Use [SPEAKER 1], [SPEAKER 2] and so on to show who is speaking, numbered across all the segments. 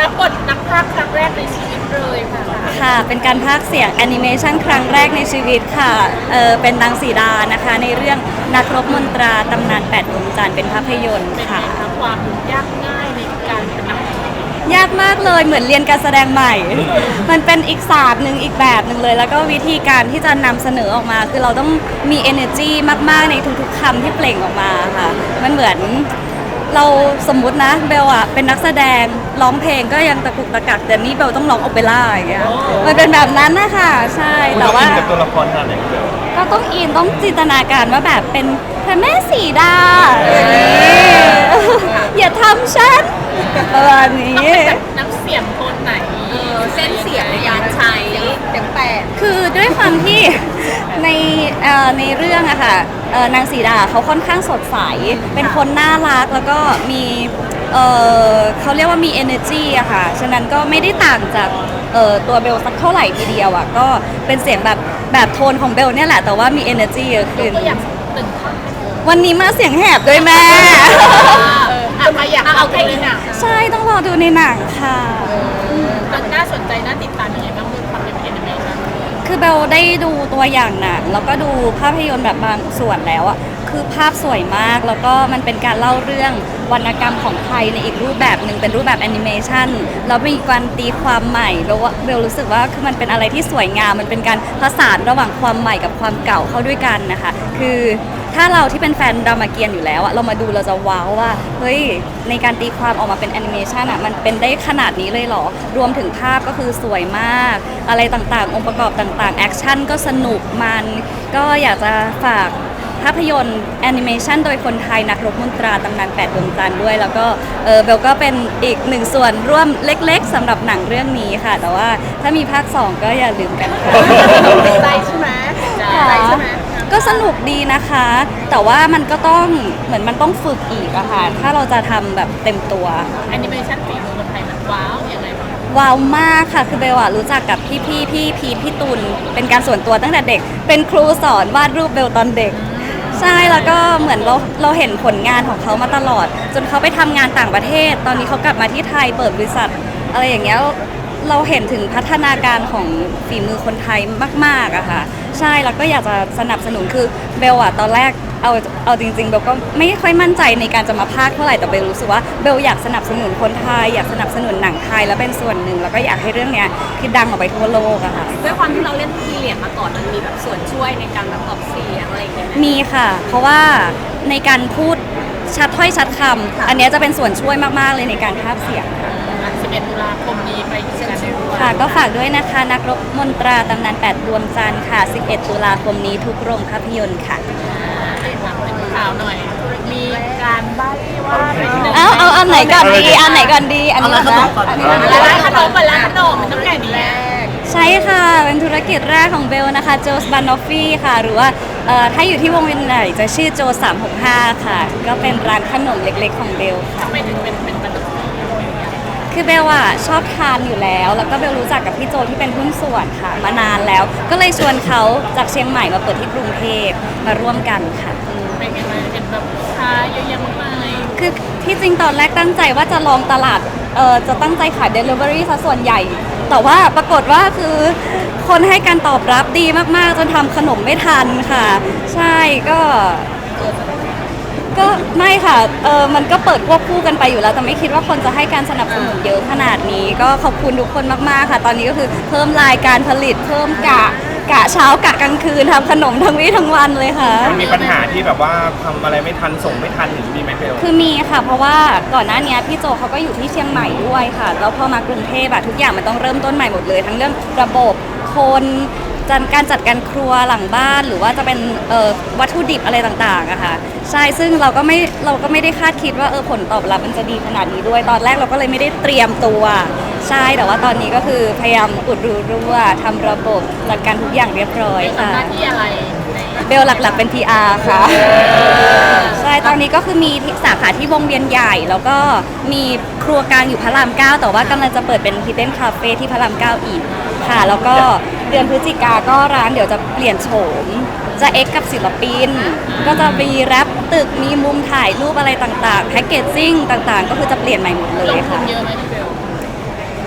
[SPEAKER 1] รับบทนักพากย์ครั้งแรกในชีวิตเลยค่ะ
[SPEAKER 2] ค่ะเป็นการพากย์เสียงแอนิเมชันครั้งแรกในชีวิตค่ะเป็นนางสีดานะคะในเรื่องนักรบมนตราตำนาน8ดวงจันทร์เป็นภาพยนตร์
[SPEAKER 1] เป็นไง
[SPEAKER 2] ค่ะ
[SPEAKER 1] คะความยากง่ายในการเป็นนัก
[SPEAKER 2] ยากมากเลยเหมือนเรียนการแสดงใหม่ มันเป็นอีกศาสตร์หนึ่งอีกแบบหนึ่งเลย แล้วก็วิธีการที่จะนำเสนอออกมา คือเราต้องมี energy มากๆในทุกๆคำที่เปล่งออกมาค่ะ มันเหมือนเราสมมุตินะเบลอะเป็นนักแสดงร้องเพลงก็ยังตะกุกตะกักแต่นี่เบลต้องร้องโอเปร่าอย่างเงี้ยมันเป็นแบบนั้นนะคะใช่
[SPEAKER 3] คุณ
[SPEAKER 2] แต่
[SPEAKER 3] ต้อง
[SPEAKER 2] ว่า
[SPEAKER 3] อินกับตัวละครขนาดไหนเบล
[SPEAKER 2] ก็ต้องอินต้องจินตนาการว่าแบบเป็นพระแม่สีดาอย่างนี้อย่าทำฉันประมาณนี้
[SPEAKER 1] น้ำเสียงโทนไหน
[SPEAKER 4] เส้นเสียงในการใช้เต็มแปด
[SPEAKER 2] คือด้วยความที่ ในในเรื่องอะค่ะนางสีดาเขาค่อนข้างสดใส เป็นคนน่ารักแล้วก็มีเขาเรียกว่ามี energy อะค่ะ ฉะนั้นก็ไม่ได้ต่างจากตัวเบลสักเท่าไหร่ทีเดียวอะก็เป็นเสียงแบบโทนของเบลเนี่ยแหละ แต่ว่ามี energy เยอะขึ้น
[SPEAKER 1] ก็อยากหนึ่งท่อน
[SPEAKER 2] วันนี้มาเสียงแหบด้วยแม่
[SPEAKER 1] ใครอยากเอาใครเลยน่ะ
[SPEAKER 2] ใช่ต้องรอดูในหนังค่ะ
[SPEAKER 1] มันน่าสนใจน่าติดตามยังไงบ้างเรื่องความเป็นแอนิเมชั่น
[SPEAKER 2] คือเบลได้ดูตัวอย่างหนังแล้วก็ดูภาพยนตร์แบบบางส่วนแล้วอ่ะคือภาพสวยมากแล้วก็มันเป็นการเล่าเรื่องวรรณกรรมของไทยในอีกรูปแบบหนึ่งเป็นรูปแบบแอนิเมชันแล้วมีการตีความใหม่เบลรู้สึกว่าคือมันเป็นอะไรที่สวยงามมันเป็นการผสานระหว่างความใหม่กับความเก่าเข้าด้วยกันนะคะคือถ้าเราที่เป็นแฟนรามเกียรติ์อยู่แล้วอะเรามาดูเราจะว้าวว่าเฮ้ยในการตีความออกมาเป็นแอนิเมชันอะมันเป็นได้ขนาดนี้เลยเหรอรวมถึงภาพก็คือสวยมากอะไรต่างๆองค์ประกอบต่างๆแอคชั่นก็สนุกมันก็อยากจะฝากภาพยนตร์แอนิเมชันโดยคนไทยนักรบมนตราตำนาน8ดวงจันทร์ด้วยแล้วก็เบลก็เป็นอีกหนึ่งส่วนร่วมเล็กๆสำหรับหนังเรื่องนี้ค่ะแต่ว่าถ้ามีภาค2ก็อย่าลืมกันค่ะ
[SPEAKER 4] ติดใจใช่ไหมติดใจใช่ไหม
[SPEAKER 2] ก็สนุกดีนะคะ แต่ว่ามันก็ต้องเหมือนมันต้องฝึกอีกอะค่ะ ถ้าเราจะทำแบบเต็มตัว
[SPEAKER 1] แอนิเมชั่นฝีมือคนไทยมันว้าวยังไงบ้าง
[SPEAKER 2] ว้าวมากค่ะ คือเบลอะรู้จักกับพี่พีทพี่ตุลเป็นการส่วนตัวตั้งแต่เด็ก เป็นครูสอนวาดรูปเบลตอนเด็ก ใช่ แล้วก็เหมือนเราเห็นผลงานของเขามาตลอด จนเขาไปทำงานต่างประเทศ ตอนนี้เขากลับมาที่ไทยเปิดบริษัทอะไรอย่างเงี้ย เราเห็นถึงพัฒนาการของฝีมือคนไทยมากๆอะค่ะ ใช่ แล้วก็อยากจะสนับสนุนคือเบลอะตอนแรกเอาจริงๆเบลก็ไม่ค่อยมั่นใจในการจะมาพากย์เท่าไหร่แต่เบลรู้สึกว่าเบลอยากสนับสนุนคนไทยอยากสนับสนุนหนังไทยแล้วเป็นส่วนหนึ่งแล้วก็อยากให้เรื่องเนี้ยคือดังออกไปทั่วโลกอะค่ะ
[SPEAKER 4] ด้วยความที่เราเล่นพีเรียดมาก่อนมันมีแบบส่วนช่วยในการแบบออกเสียงอะไรอย่างเงี้ยไหม
[SPEAKER 2] มีค่ะ เพราะว่าในการพูดชัดถ้อยชัดคำอันเนี้ยจะเป็นส่วนช่วยมากๆเลยในการพากย์เสียง
[SPEAKER 1] 11 ตุลาคมนี้ไปดูกันได้ด้วย
[SPEAKER 2] ค่ะก็ฝากด้วยนะคะนักรบมนตราตำนาน8ดวงจันทร์ค่ะ 11 ตุลาคมนี้ทุกโรงภาพยนตร์ค่ะ
[SPEAKER 1] ถามเป็นข่าวหน่อย มีการใบ้ว่าเป็นหนึ่ง
[SPEAKER 2] เอาอันไหนก่อนดีอันไหนก่อนดีอันนี้ก่อนนะ
[SPEAKER 1] ร้านขนมเปิดร้านขนมมันต้องใหญ่นี้
[SPEAKER 2] ใช่ค่ะ เป็นธุรกิจแรกของเบลนะคะโจสบานอฟฟี่ค่ะ หรือว่าถ้าอยู่ที่วงเวียนใหญ่จะชื่อโจ365ค่ะ ก็เป็นร้านขนมเล็กๆของเบลค่ะ
[SPEAKER 1] ทำไมถึงเป็นบันทึก
[SPEAKER 2] คือเบลอะชอบทานอยู่แล้ว แล้วก็เบลรู้จักกับพี่โจที่เป็นหุ้นส่วนค่ะ มานานแล้ว ก็เลยชวนเขาจากเชียงใหม่มาเปิดที่กรุงเทพมาร่วมกันค่ะ
[SPEAKER 1] เป็นไงบ้างเห็นแบบลูกค้าเยอะแยะมากมาย
[SPEAKER 2] คือที่จริงตอนแรกตั้งใจว่าจะลองตลาดจะตั้งใจขาย Delivery ซะส่วนใหญ่ แต่ว่าปรากฏว่าคือคนให้การตอบรับดีมากๆ จนทำขนมไม่ทันค่ะ ใช่ก็ไม่ค่ะมันก็เปิดควบคู่กันไปอยู่แล้วแต่ไม่คิดว่าคนจะให้การสนับสนุนเยอะขนาดนี้ ก็ขอบคุณทุกคนมากๆค่ะ ตอนนี้ก็คือเพิ่มรายการผลิตเพิ่มกะเช้ากะกลางคืนทำขนมทั้งวี่ทั้งวันเลยค่ะ
[SPEAKER 3] มันมีปัญหาที่แบบว่าทำอะไรไม่ทันส่งไม่ทันหรือมีไหมเบล
[SPEAKER 2] คือมีค่ะเพราะว่าก่อนหน้านี้พี่โจเขาก็อยู่ที่เชียงใหม่ด้วยค่ะแล้วพอมากรุงเทพทุกอย่างมันต้องเริ่มต้นใหม่หมดเลย ทั้งเรื่องระบบคนการจัดการครัวหลังบ้านหรือว่าจะเป็นวัตถุดิบอะไรต่างๆอะค่ะใช่ซึ่งเราก็ไม่ได้คาดคิดว่าผลตอบรับมันจะดีขนาดนี้ด้วยตอนแรกเราก็เลยไม่ได้เตรียมตัวใช่แต่ว่าตอนนี้ก็คือพยายามอุดรูรั่วทำระบบจัดการทุกอย่างเรียบร้อย
[SPEAKER 1] เป็น
[SPEAKER 2] ค่ะ
[SPEAKER 1] หน้าที่อะไรใน
[SPEAKER 2] เบลหลักๆเป็น PR ค่ะ ใช่ ตอนนี้ก็คือมีสาขาที่วงเวียนใหญ่ แล้วก็มีครัวกลางอยู่พระราม 9 แต่ว่ากำลังจะเปิดเป็น Hidden Cafe ที่พระราม 9 อีกค่ะ แล้วก็เดือนพฤศจิกาก็ร้านเดี๋ยวจะเปลี่ยนโฉม จะเอ็กกับศิลปิน ก็จะมีแรปตึก มีมุมถ่ายรูปอะไรต่างๆ แพ็กเกจจิ้งต่างๆ ก็คือจะเปลี่ยนใหม่หมดเล
[SPEAKER 1] ล
[SPEAKER 2] ย
[SPEAKER 1] งทุ
[SPEAKER 2] ค่ะ
[SPEAKER 1] นเยอะไหมพี่เบล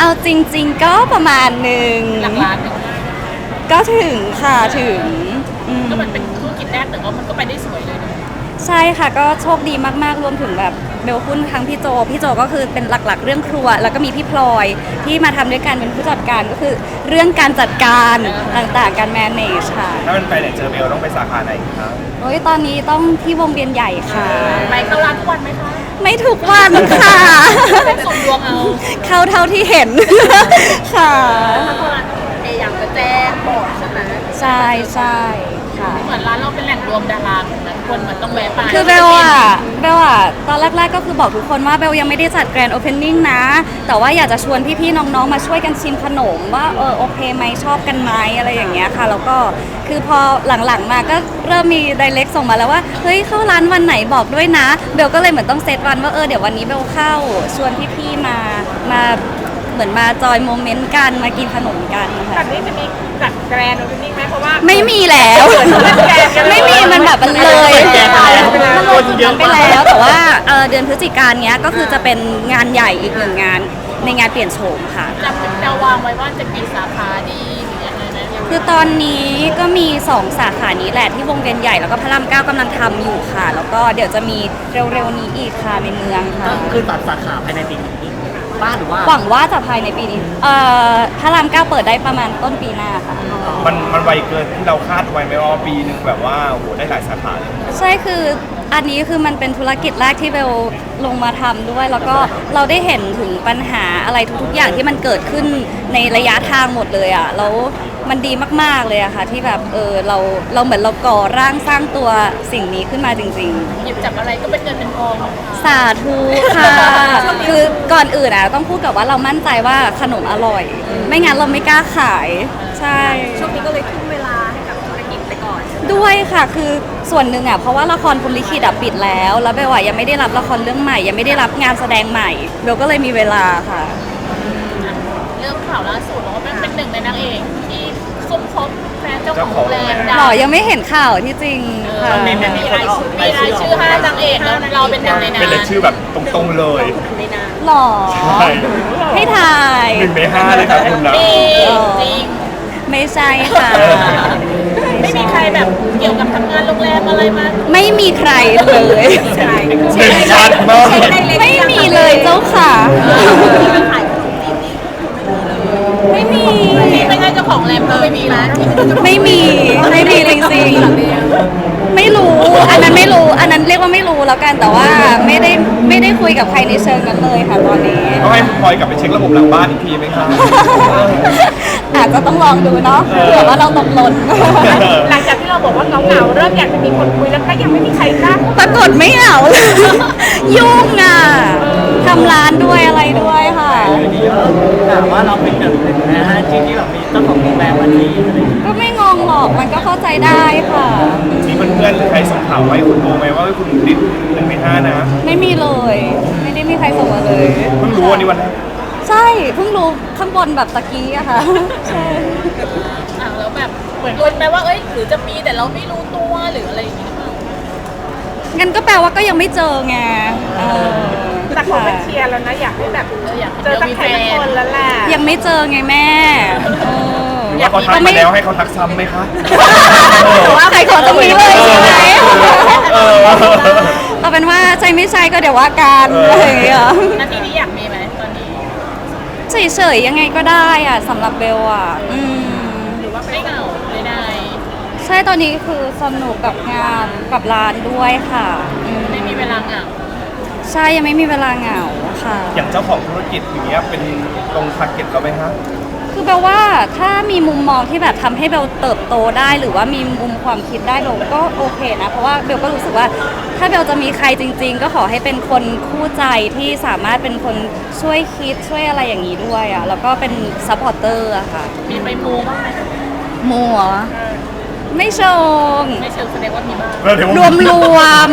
[SPEAKER 2] เอาจริง ๆ ก็ประมาณหนึ่ง
[SPEAKER 1] หลักล้านหนึ่ง
[SPEAKER 2] ก็ถึงค่ะถึงม
[SPEAKER 1] ก็มันเป็นธุรกิจแรกแต่ว่ามันก็ไปได้สวยเลยนะ
[SPEAKER 2] ใช่ค่ะก็โชคดีมากๆรวมถึงแบบเบลคุ้นทั้งพี่โจก็คือเป็นหลักๆ เรื่องครัว แล้วก็มีพี่พลอยที่มาทำด้วยกันเป็นผู้จัดการก็คือเรื่องการจัดการต่างๆการ manage ค่ะ
[SPEAKER 3] ถ้ามันไปไหนเจอเบลต้องไปสาขาไหนครับ
[SPEAKER 2] โอ้ยตอนนี้ต้องที่วงเวียนใหญ่ค่ะ
[SPEAKER 1] ไปเข้าร้านทุกวันไหมคะ
[SPEAKER 2] ไม่ทุกวันค่ะ
[SPEAKER 1] เป็นส่วนดวงเอา
[SPEAKER 2] เข้าเท่าที่เห็น ค่ะ
[SPEAKER 1] ถ้าเข้าร้านพยายามจะแจ้งบอกใช่ไหม
[SPEAKER 2] ใช่ใช่ค่ะ
[SPEAKER 1] เหมือนร้านเราเป็นแหล่งรวมดาราเหมือนกันคนเหมือนต้องแวะไป
[SPEAKER 2] คือเบลตอนแรกๆก็คือบอกทุกคนว่าเบลยังไม่ได้จัดแกรนด์โอเพนนิ่งนะ แต่ว่าอยากจะชวนพี่ๆน้องๆมาช่วยกันชิมขนมว่าโอเคไหมชอบกันไหมอะไรอย่างเงี้ยค่ะแล้วก็คือพอหลังๆมาก็เริ่มมีไดเรกส่งมาแล้วว่าเฮ้ยเข้าร้านวันไหนบอกด้วยนะเบลก็เลยเหมือนต้องเซตวันว่าเดี๋ยววันนี้เบลเข้าชวนพี่ๆมาเหมือนมาจอยโมเมนต์กันมากินขนมกันค่ะ
[SPEAKER 1] แบบนี้จะมีจัดแกรนด์โอเพนนิ่งไหมเพราะว่า
[SPEAKER 2] ไม่มีแล้ว ไม่มีมันแบบมันเลย
[SPEAKER 3] แกะไปแล้ว
[SPEAKER 2] มันเลยจุดนั้นไปแล้วแต่ว่าเดือนพฤศจิกายนเนี้ยก็คือจะเป็นงานใหญ่อีกหนึ่งงานในงานเปลี่ยนโฉมค่ะ
[SPEAKER 1] จะวางไว้ว่าจะกี่สาขาดีหรือยังไงนะ
[SPEAKER 2] คือตอนนี้ก็มี 2 สาขานี้แหละที่วงเวียนใหญ่แล้วก็พระรามเก้ากำลังทำอยู่ค่ะ แล้วก็เดี๋ยวจะมีเร็วๆนี้อีกค่ะในเมืองค่ะ
[SPEAKER 5] คือตัดสาขาภายในปีนี้บ้านหรือว่า
[SPEAKER 2] หวังว่าจะภายในปีนี้พระรามเก้าเปิดได้ประมาณต้นปีหน้าค่ะ
[SPEAKER 3] มันไวเกินที่เราคาดไว้ไหมว่าปีหนึ่งแบบว่าโอ้โหได้หลายสาขาเลย
[SPEAKER 2] ใช่คืออันนี้คือมันเป็นธุรกิจแรกที่เบลลงมาทำด้วย แล้วก็เราได้เห็นถึงปัญหาอะไรทุกๆอย่างที่มันเกิดขึ้นในระยะทางหมดเลยอ่ะแล้วมันดีมากๆเลยอะค่ะที่แบบเราเหมือนเราก่อร่างสร้างตัวสิ่งนี้ขึ้นมาจริง
[SPEAKER 1] หยิบจับอะไรก็เป็นเงินเป็นทอง
[SPEAKER 2] ๆ สาธุค่ะ คือก่อนอื่นอะต้องพูดกับว่าเรามั่นใจว่าขนมอร่อย ไม่งั้นเราไม่กล้าขาย ใช่
[SPEAKER 4] ช่วงนี้ก็เลยทุ่มเวลาให้กับธุรกิจไปก่อน
[SPEAKER 2] ด้วยค่ะคือส่วนหนึ่งอ่ะเพราะว่าละครพรหมลิขิตอะปิดแล้วเบลอะยังไม่ได้รับละครเรื่องใหม่ยังไม่ได้รับงานแสดงใหม่เบลก็เลยมีเวลาค่ะ
[SPEAKER 1] เรื่องข่าวล่าสุดบอกว่าเป็นหนึ่งในนางเอกที่ซุ่มคบแฟนเจ้าของโรงแรม
[SPEAKER 2] หรอยังไม่เห็นข่าวที่จริงค่ะ
[SPEAKER 1] มีรายชื่อ5นางเอกแล้วเราเป็นหนึ่งในนั้น
[SPEAKER 3] เป็นเลยชื่อแบบตรงๆเลย
[SPEAKER 2] หรอ
[SPEAKER 3] ใช่
[SPEAKER 2] ให้ทาย
[SPEAKER 3] 1 ใน 5เลยครับคุณนะ
[SPEAKER 1] มีจริง
[SPEAKER 2] ไม่ใช่ค่ะ
[SPEAKER 1] ไม่มีใครแบบเกี่ยวกับทำงานโรงแรมอะไรมา
[SPEAKER 2] ไม่มีใครเลย
[SPEAKER 3] เด่นชัดมาก
[SPEAKER 2] ไม่มีเลยเจ้าค่ะ ไม่มี
[SPEAKER 1] ที่ไม่ใช่เจ้าของโรงแรมก็ไม่มีนะ
[SPEAKER 2] ไม่มีจริงๆ ไม่รู้ อันนั้นไม่รู้ อันนั้นเรียกว่าไม่รู้แล้วกัน แต่ว่าไม่ได้คุยกับใครในเชิงนั้นเลยค่ะตอนนี้
[SPEAKER 3] ต้องให้พลอยกลับไปเช็คระบบหลังบ้านอีกทีไหมครับ
[SPEAKER 2] อาจจะต้องลองดูเนาะเผื่อว่าเราตกหล่น
[SPEAKER 1] หลังจากที่เราบอกว่าเหงาๆเริ่มอยากจะมีคนคุยแล้วก็ยังไม่มีใครกล้า
[SPEAKER 2] ปรากฏไม่เหงา ยุ่งอ่ะทำร้านด้วยอะไรด้วยค่ะ
[SPEAKER 5] แต่ว่าเราเป็นหนึ่งนะฮะที่แบบมีเจ้าของโรงแรมวันนี้อะไรอย่างเงี้ย
[SPEAKER 2] ก็ไม่งงหรอกมันก็เข้าใจได้ค่ะ
[SPEAKER 3] มีเพื่อนๆหรือใครส่งข่าวไว้คุณรู้ไหมว่าคุณติด1 ใน 5นะ
[SPEAKER 2] ไม่มีเลย ไม่ได้มีใครส่งมาเลย
[SPEAKER 3] เพิ่งรู้วันนี้วันแรก
[SPEAKER 2] ใช่เพิ่งรู้ข้างบนแบบตะกี้อะค่ะ ใช่
[SPEAKER 1] แล้วแบบเหมือนลุ้นไหมว่าเอ้ยหรือจะมีแต่เราไม่รู้ตัวหรืออะไรอย่างเงี้ย
[SPEAKER 2] งั้นก็แปลว่าก็ยังไม่เจอไง
[SPEAKER 1] แต่คนเป็นเชียร์แล้วนะอยากให้แบบอยากเจอสักใครสักคนแล้วแหละ
[SPEAKER 2] ยังไม่เจอไงแม่เออ
[SPEAKER 3] หรือว่าเขาทักมาแล้วให้เขาทักซ้ำไหมคะ
[SPEAKER 2] ว่าใครขอตรงนี้เลยใช่ไหม
[SPEAKER 3] เออ
[SPEAKER 2] เอาเป็นว่าใช่ไม่ใช่ก็เดี๋ยวว่ากันอะไรอย่างเงี้ย
[SPEAKER 1] นาทีนี้อยากมีไหมตอนนี้
[SPEAKER 2] เฉยๆยังไงก็ได้อะสำหรับเบลอะ
[SPEAKER 1] หรือว่าไม่เหงาเลยได้
[SPEAKER 2] ใช่ตอนนี้คือสนุกกับงานกับร้านด้วยค่ะ
[SPEAKER 1] ไม่มีเวลาเหงา
[SPEAKER 2] ใช่ยังไม่มีเวลาเหงาค่ะ
[SPEAKER 3] อย่างเจ้าของธุรกิจอย่างเงี้ยเป็นตรงทาร์เก็ตเราไหมคะ
[SPEAKER 2] คือเบลว่าถ้ามีมุมมองที่แบบทำให้เบลเติบโตได้หรือว่ามีมุมความคิดได้เบลก็โอเคนะเพราะว่าเบลก็รู้สึกว่าถ้าเบลจะมีใครจริง ๆ ก็ขอให้เป็นคนคู่ใจที่สามารถเป็นคนช่วยคิดช่วยอะไรอย่างนี้ด้วยอ่ะแล้วก็เป็นซัพพอร์เตอร์อะค่ะ
[SPEAKER 1] มีไปมูบ้างไหม
[SPEAKER 2] มัวไม่ชง
[SPEAKER 1] ไม่เชิงแสดงว่ามีบ้าง
[SPEAKER 2] รวมรวม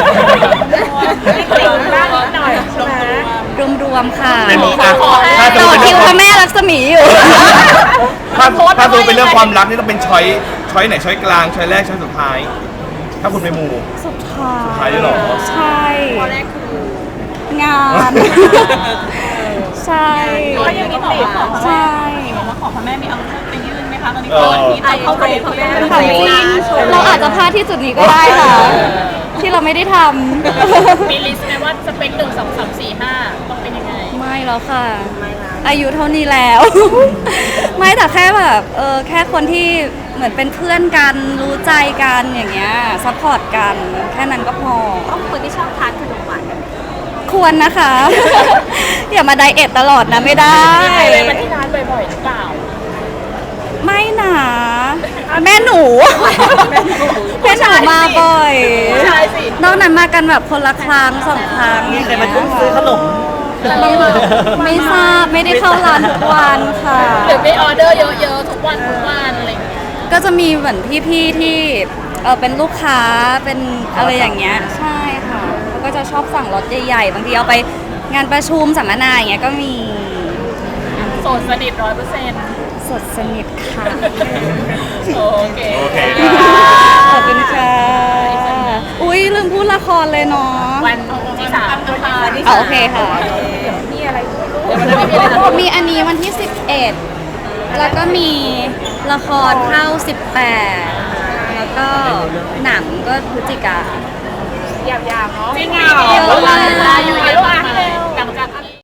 [SPEAKER 1] ติ่งบ้างนิดหน่อยใช่ไหม
[SPEAKER 2] รวมค่ะ
[SPEAKER 3] เป็น
[SPEAKER 1] ถ้า
[SPEAKER 2] ต่อคิวพระแม่รักษมีอยู่
[SPEAKER 3] ถ้าดูเป็นเรื่องความรักนี่ต้องเป็นช้อยไหนช้อยกลางช้อยแรกช้อยสุดท้าย ถ้าคุณไปหมู่
[SPEAKER 2] สุดท้าย
[SPEAKER 3] สุดท้ายด้วยเหรอ
[SPEAKER 2] ใช่
[SPEAKER 4] ข้อแรกคือง
[SPEAKER 2] าน ใช่
[SPEAKER 1] ก็ยังมีบอกว่าขอ
[SPEAKER 2] ใช่
[SPEAKER 1] บอกว่าขอพระแม่มีเอาไปยื่นไหมคะตอนนี้
[SPEAKER 3] เออ
[SPEAKER 1] ที่จะเข้าไปพระแม่
[SPEAKER 2] ถามจริงเราอาจจะพลาดที่จุดนี้ก็ได้ค่ะ ที่เราไม่ได้ทำ
[SPEAKER 1] มีลิสต์ไหมว่าสเปค1 2 3 4 5ต้องเป็นยังไง
[SPEAKER 2] ไม่แล้วค่ะ อายุเท่านี้แล้ว ไม่แต่แค่แบบแค่คนที่เหมือนเป็นเพื่อนกันรู้ใจกันอย่างเงี้ยซัพพอร์ตกันแค่นั้นก็พอ
[SPEAKER 4] ต้องคนที่ชอบทานขนมหวาน
[SPEAKER 2] ควรนะคะ อย่ามาไดเอทตลอดนะไม่ได้
[SPEAKER 1] มีใครไปที่ร้านบ่อยๆหรือเปล่า
[SPEAKER 2] ไม่หนาแม่หนูแม่หนูมาบ่อย
[SPEAKER 1] ใช่สิ
[SPEAKER 2] นอกนั้นมากันแบบคนละครั้งสองครั้ง
[SPEAKER 5] มีใครมาช่วยซื้อขนม
[SPEAKER 2] ไม่ทราบไม่ได้เข้าร้านทุกวันค่ะ
[SPEAKER 1] หรือไปออเดอร์เยอะๆทุกวันอะไรอย่างเงี้ย
[SPEAKER 2] ก็จะมีเหมือนพี่ๆที่เป็นลูกค้าเป็นอะไรอย่างเงี้ยใช่ค่ะเขาก็จะชอบสั่งรถใหญ่ๆบางทีเอาไปงานประชุมสัมมนาอย่างเงี้ยก็มี
[SPEAKER 1] โสดสนิท100%
[SPEAKER 2] สดสนิทค่ะ
[SPEAKER 1] โอเค
[SPEAKER 3] โอเค
[SPEAKER 2] ขอบคุณค่ะ อุ้ยลืมพูดละครเลยเนาะ
[SPEAKER 1] วันที่3นะคะ
[SPEAKER 2] โอเคค่ะ
[SPEAKER 1] มีอะไรเดี๋ยวมันจะไม่มีอะไรนะ
[SPEAKER 2] มีอันนี้วันที่ 11 แล้วก็มีละครเข้า 18 แล้วก็หนังก็พฤศจิกา
[SPEAKER 1] ยาวๆเนาะจริงเหร
[SPEAKER 2] เยอะมาก
[SPEAKER 1] อยู่เยอะ